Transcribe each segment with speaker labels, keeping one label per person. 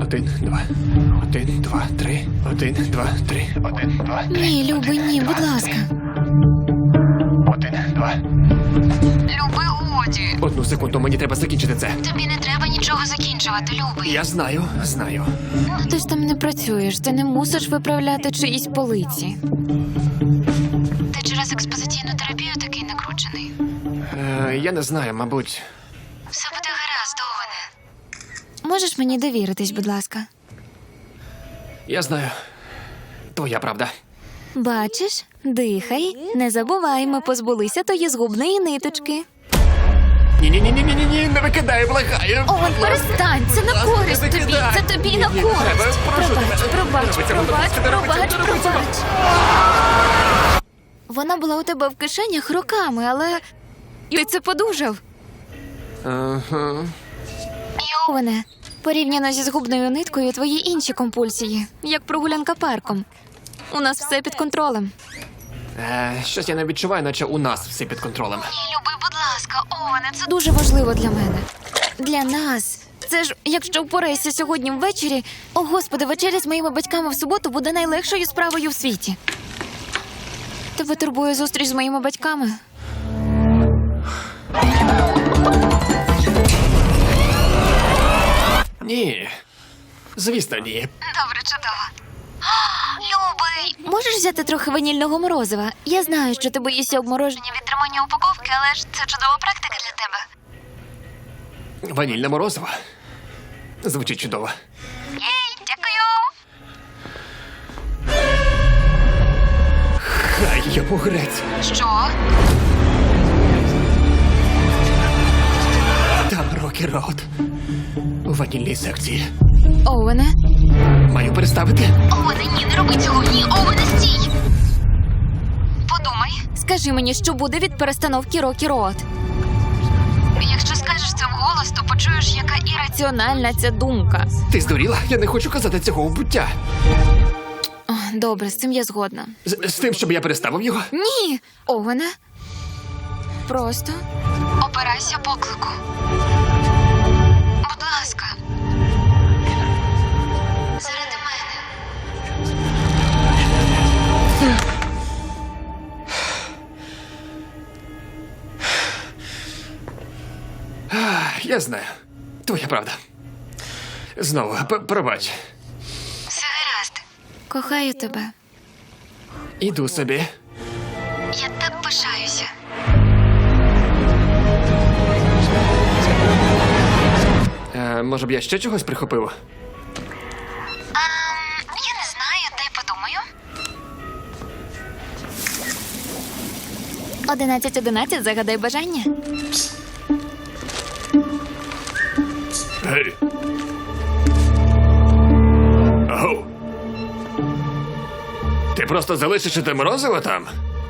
Speaker 1: 1, 2. 1, 2, 3. 1, 2, 3. 1, 2, 3.
Speaker 2: Ні, Любий, ні, будь ласка.
Speaker 1: 1, 2.
Speaker 2: Люби, годі.
Speaker 1: Одну секунду, мені треба закінчити це.
Speaker 2: Тобі не треба нічого закінчувати, Любий.
Speaker 1: Я знаю.
Speaker 2: Ну, ти ж там не працюєш, ти не мусиш виправляти чиїсь полиці. Ти через експозиційну терапію такий накручений.
Speaker 1: Я не знаю, мабуть.
Speaker 2: Все буде гаразд, Овене. Можеш мені довіритись, будь ласка?
Speaker 1: Я знаю. Твоя правда.
Speaker 2: Бачиш? Дихай. Не забувай, ми позбулися тої згубної ниточки.
Speaker 1: Ні, не викидай, благаю.
Speaker 2: Овен, перестань, це на користь тобі, це тобі на користь. Пробач. Вона була у тебе в кишенях роками, але ти це подужав.
Speaker 1: Ага.
Speaker 2: Овене, порівняно зі згубною ниткою твої інші компульсії, як прогулянка парком. У нас все під контролем.
Speaker 1: Щось я не відчуваю, наче у нас все під контролем.
Speaker 2: Люби, будь ласка, Овене, це дуже важливо для мене. Для нас. Це ж, якщо впорайся сьогодні ввечері, о господи, вечеря з моїми батьками в суботу буде найлегшою справою в світі. Тебе турбує зустріч з моїми батьками?
Speaker 1: Ні. Звісно, ні.
Speaker 2: Добре, чудово. Любий! Можеш взяти трохи ванільного морозива? Я знаю, що ти боїшся обмороження від тримання упаковки, але ж це чудова практика для тебе.
Speaker 1: Ванільне морозиво. Звучить чудово.
Speaker 2: Єй, дякую!
Speaker 1: Хай йому грець.
Speaker 2: Що?
Speaker 1: Там Рокі Роуд. У ванільній секції.
Speaker 2: Овене?
Speaker 1: Маю переставити?
Speaker 2: Овене, ні, не роби цього, ні, Овене, стій! Подумай. Скажи мені, що буде від перестановки Рокі Роуд. Якщо скажеш це вголос, то почуєш, яка ірраціональна ця думка.
Speaker 1: Ти здуріла? Я не хочу казати цього у буття.
Speaker 2: Добре, з цим я згодна.
Speaker 1: З тим, щоб я переставив його?
Speaker 2: Ні, Овене. Просто опирайся поклику. Будь ласка. Заради мене.
Speaker 1: Я знаю. Твоя правда. Знову, пробач.
Speaker 2: Все гаразд. Кохаю тебе.
Speaker 1: Іду собі.
Speaker 2: Я так пишаюся.
Speaker 1: Може б я ще чогось прихопив?
Speaker 2: Я не знаю, дай подумаю. 11:11, загадай бажання.
Speaker 1: Гей. Ау. Ти просто залишиш те морозиво там?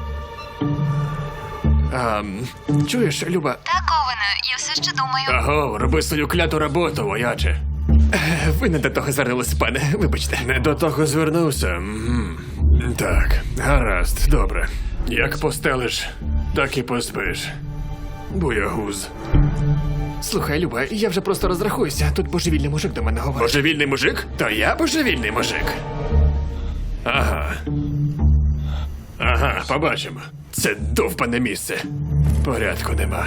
Speaker 1: Чуєш, Люба?
Speaker 2: Так, Овене, я все ще думаю.
Speaker 1: Аго, роби свою кляту роботу, вояче. Ви не до того звернулися, пане. Вибачте. Не до того звернувся. Так, гаразд, добре. Як постелиш, так і поспиш. Буягуз. Слухай, Люба, я вже просто розрахуюся. Тут божевільний мужик до мене говорить. Божевільний мужик? То я божевільний мужик. Ага, побачимо. Це довбане місце. Порядку нема.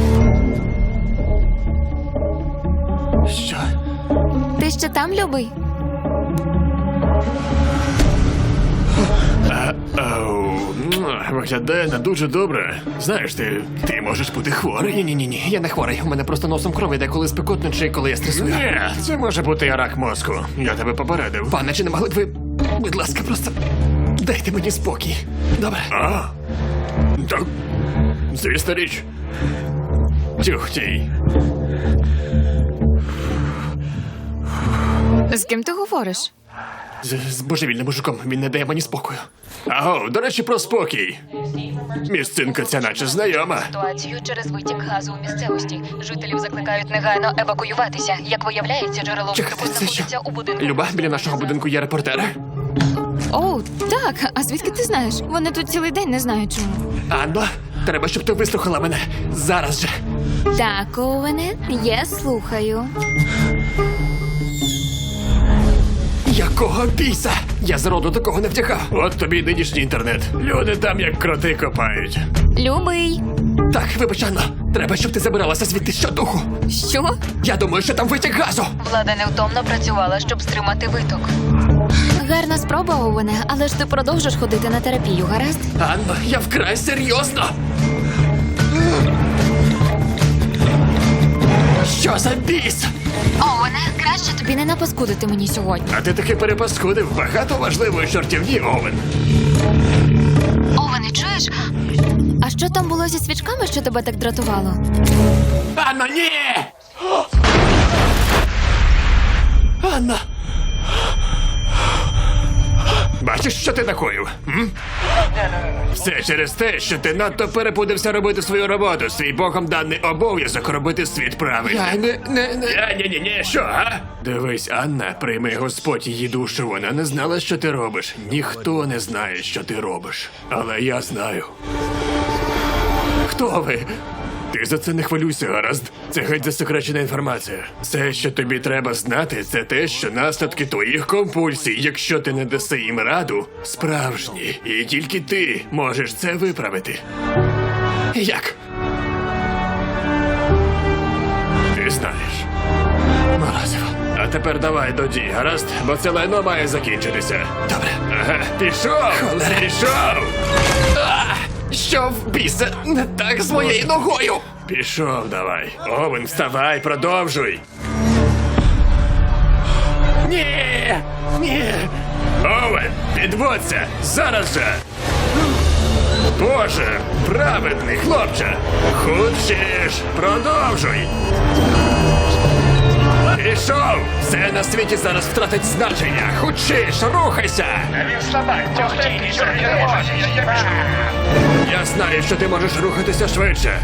Speaker 1: Що?
Speaker 2: Ти ще там, любий?
Speaker 1: Виглядає не дуже добре. Знаєш, ти можеш бути хворий. Ні, я не хворий. У мене просто носом кров іде, коли спекотно чи коли я стресую. Ні, це може бути рак мозку. Я тебе попередив. Пане, чи не могли б ви, будь ласка, просто дайте мені спокій. Добре? Так, звісна річ. Тюхтій.
Speaker 2: З ким ти говориш?
Speaker 1: З божевільним мужиком. Він не дає мені спокою. Аго, до речі, про спокій. Місцинка ця наче знайома.
Speaker 2: Ситуацію через витік газу у місцевості. Жителів закликають негайно евакуюватися. Як виявляється, джерело
Speaker 1: Чекайте,
Speaker 2: вибуху
Speaker 1: це що?
Speaker 2: знаходиться у будинку.
Speaker 1: Люба, біля нашого будинку є репортери.
Speaker 2: О, так. А звідки ти знаєш? Вони тут цілий день не знають чому.
Speaker 1: Анно, треба, щоб ти вислухала мене. Зараз же.
Speaker 2: Так, Овене, я слухаю.
Speaker 1: Якого біса? Я зроду такого не втягав. От тобі й нинішній інтернет. Люди там як кроти копають.
Speaker 2: Любий.
Speaker 1: Так, вибач, Анно. Треба, щоб ти забиралася звідти щодуху.
Speaker 2: Що?
Speaker 1: Я думаю, що там витік газу.
Speaker 2: Влада невтомно працювала, щоб стримати виток. Гарна спроба, Овене, але ж ти продовжиш ходити на терапію, гаразд?
Speaker 1: Анно, я вкрай серйозно. Що за біс?
Speaker 2: Овене, краще тобі не напаскудити мені сьогодні.
Speaker 1: А ти таки перепаскудив багато важливої чортівні, Овен.
Speaker 2: Овене, чуєш? А що там було зі свічками, що тебе так дратувало?
Speaker 1: Анна, ні! Анна! Бачиш, що ти накоїв? М? Все через те, що ти надто перепудився робити свою роботу, свій богом даний обов'язок робити світ правильно. Ні, що, а? Дивись, Анна, прийми Господь її душу, вона не знала, що ти робиш. Ніхто не знає, що ти робиш. Але я знаю. Хто ви? Ти за це не хвилюйся, гаразд? Це геть засекречена інформація. Все, що тобі треба знати, це те, що наслідки твоїх компульсій, якщо ти не даси їм раду, справжні. І тільки ти можеш це виправити. Як? Ти знаєш. Морозиво. А тепер давай до дій, гаразд? Бо це лайно має закінчитися. Добре. Ага, пішов! Холера. Пішов! Що в біса не так з моєю ногою? Пішов давай. Овен, вставай, продовжуй. Ні! Ні! Овен, підводься! Зараз же! Боже, праведний хлопче! Хочеш, продовжуй! Пішов! Все на світі зараз втратить значення! Хочеш, рухайся!
Speaker 3: Він слабак, тягти, нічого не може, я біжу.
Speaker 1: Я знаю, що ти можеш рухатися швидше.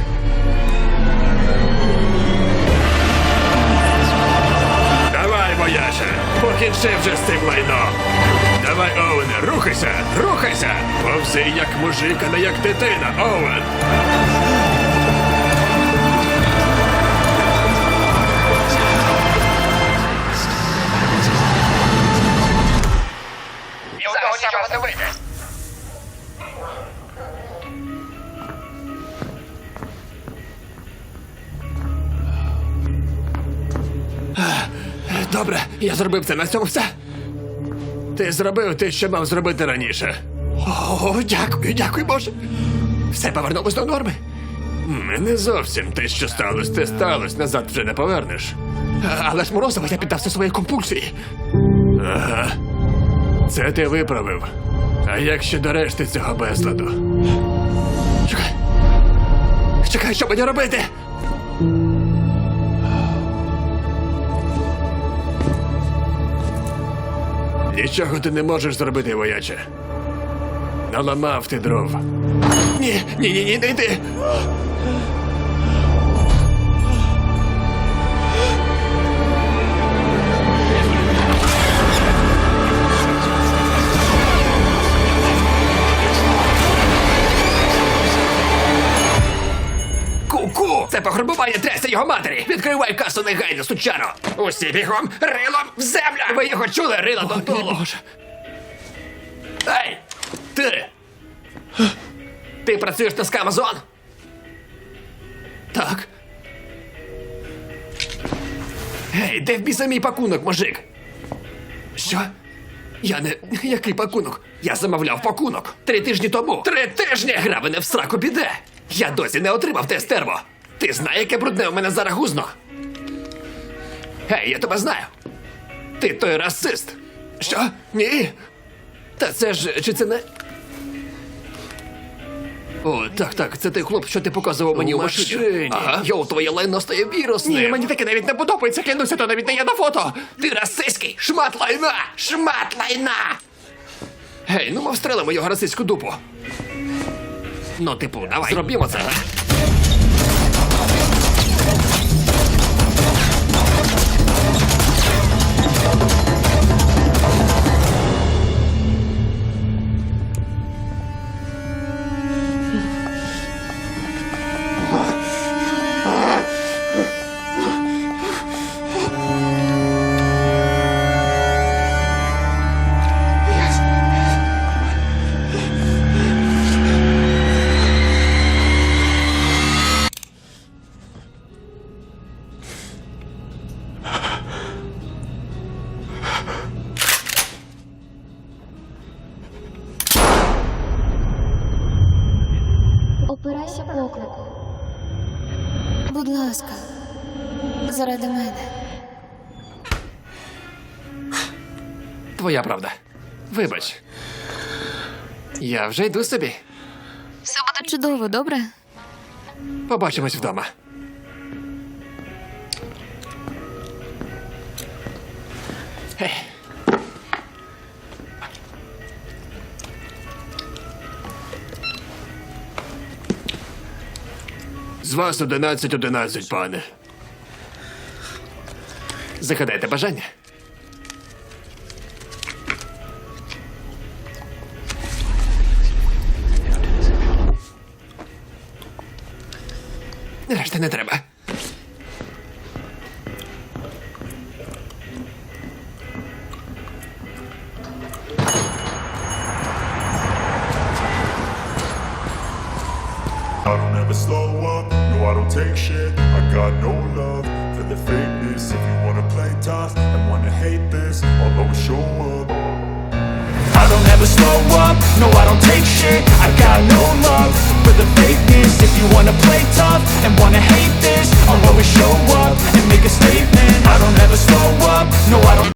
Speaker 1: Давай, вояже, покінчи вже з цим лайном. Давай, Оуене, рухайся, рухайся! Повзи як мужик, а не як дитина, Оуен.
Speaker 3: І у того нічого не вийде.
Speaker 1: Добре, я зробив це, на цьому все. Ти зробив те, що мав зробити раніше. О, дякую, дякую, Боже. Все повернулось до норми. Не зовсім те, що сталося, те сталося, назад вже не повернеш. Але ж Морозова, я піддався своїй компульсії. Ага. Це ти виправив. А як ще до решти цього безладу? Чекай. Чекай, що мені робити? Нічого ти не можеш зробити, вояче. Наламав ти дров. Ні, не йди. Ку-ку! Це пограбування трясся його матері! Відкривай касу негайно, сучаро! Усі бігом, рилом в землю! Ви його чули, рила додолу! Ей! Ти! Ти працюєш на Скамазон? Так. Гей, де в біса мій пакунок, мужик? Що? Я не... Який пакунок? Я замовляв пакунок 3 тижні тому. 3 тижні! Грабине в сраку піде! Я досі не отримав те стерво. Ти знаєш, яке брудне у мене зараз гузно? Гей, я тебе знаю. Ти той расист. Що? Ні? Та це ж... Чи це не... О, так, це той хлоп, що ти показував мені у машині. Ага. Йоу, твоє лайно стає вірусним. Ні, мені таке навіть не подобається, клянуся, то навіть не є на фото. Ти расистський, шмат лайна! Шмат лайна! Гей, ну ми встрелимо його расистську дупу. Ну, типу, давай. Зробімо це.
Speaker 2: Дотримайся поклику. Будь ласка, заради мене.
Speaker 1: Твоя правда. Вибач. Я вже йду собі.
Speaker 2: Все буде чудово, добре?
Speaker 1: Побачимось вдома. Гей. З вас 11-11, пане. Загадайте бажання. Решта не треба.
Speaker 4: I don't ever slow up, no I don't take shit. I got no love for the fakeness. If you wanna play tough and wanna hate this, I'll always show up.
Speaker 3: I don't ever slow up, no I don't take shit. I got no love for the fakeness. If you wanna play tough and wanna hate this, I'll always show up and make a statement. I don't ever slow up, no I don't